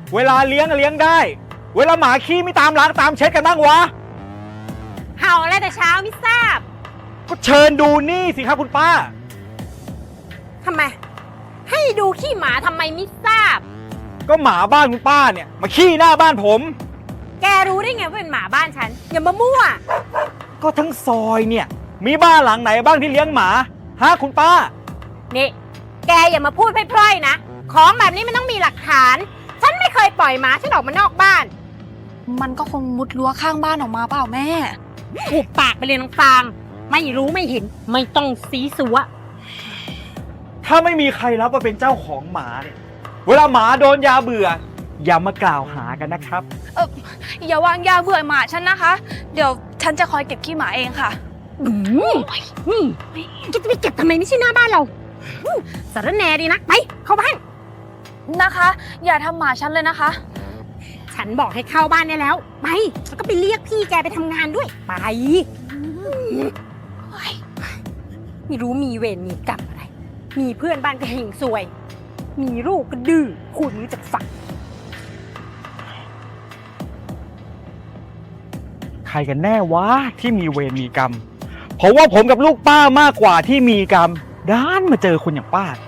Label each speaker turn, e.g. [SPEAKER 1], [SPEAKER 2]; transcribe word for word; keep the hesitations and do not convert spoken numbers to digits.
[SPEAKER 1] เวลาเลี้ยงเลี้ยงได้เวลาหมาขี้ไม่ตามล้างตามเช็ดกันบ้างวะ
[SPEAKER 2] เห่าอะไรแต่เช้าไม่ทราบ
[SPEAKER 1] ก็เชิญดูนี่สิครับคุณป้า
[SPEAKER 2] ทำไมให้ดูขี้หมาทำไมไม่ทราบ
[SPEAKER 1] ก็หมาบ้านคุณป้าเนี่ยมาขี้หน้าบ้านผม
[SPEAKER 2] แกรู้ได้ไงว่าเป็นหมาบ้านฉันอย่ามามั่ว
[SPEAKER 1] ก็ทั้งซอยเนี่ยมีบ้านหลังไหนบ้างที่เลี้ยงหมาฮะคุณป้า
[SPEAKER 2] นี่แกอย่ามาพูดพร่อยๆนะของแบบนี้มันต้องมีหลักฐานฉันไม่เคยปล่อยหมาฉันออกมานอกบ้าน
[SPEAKER 3] มันก็คงมุดรั้วข้างบ้านออกมาเปล่าแม่
[SPEAKER 2] หุบปากไปเลยน้องฟางไม่รู้ไม่เห็นไม่ต้องซีซัว
[SPEAKER 1] ถ้าไม่มีใครรับว่าเป็นเจ้าของหมาเนี่ยเวลาหมาโดนยาเบื่ออย่ามากล่าวหากันนะครับ
[SPEAKER 3] เอออย่าวางยาเบื่อหมาฉันนะคะเดี๋ยวฉันจะคอยเก็บขี้หมาเองค่ะ
[SPEAKER 2] อืมนี่จะไปเก็บทำไมไม่ใช่หน้าบ้านเราสารแหน่ดีนะไปเข้าบ้าน
[SPEAKER 3] นะคะอย่าทำหมาฉันเลยนะคะ
[SPEAKER 2] ฉันบอกให้เข้าบ้านได้แล้วไปแล้วก็ไปเรียกพี่แกไปทำงานด้วยไปไม่รู้มีเวรมีกรรมอะไรมีเพื่อนบ้านก็หิ่งซวยมีลูกก็ดื้อพูดไม่รู้จักฟัง
[SPEAKER 1] ใครกันแน่วะที่มีเวรมีกรรมเพราะว่าผมกับลูกป้ามากกว่าที่มีกรรมด้านมาเจอคนอย่างป้า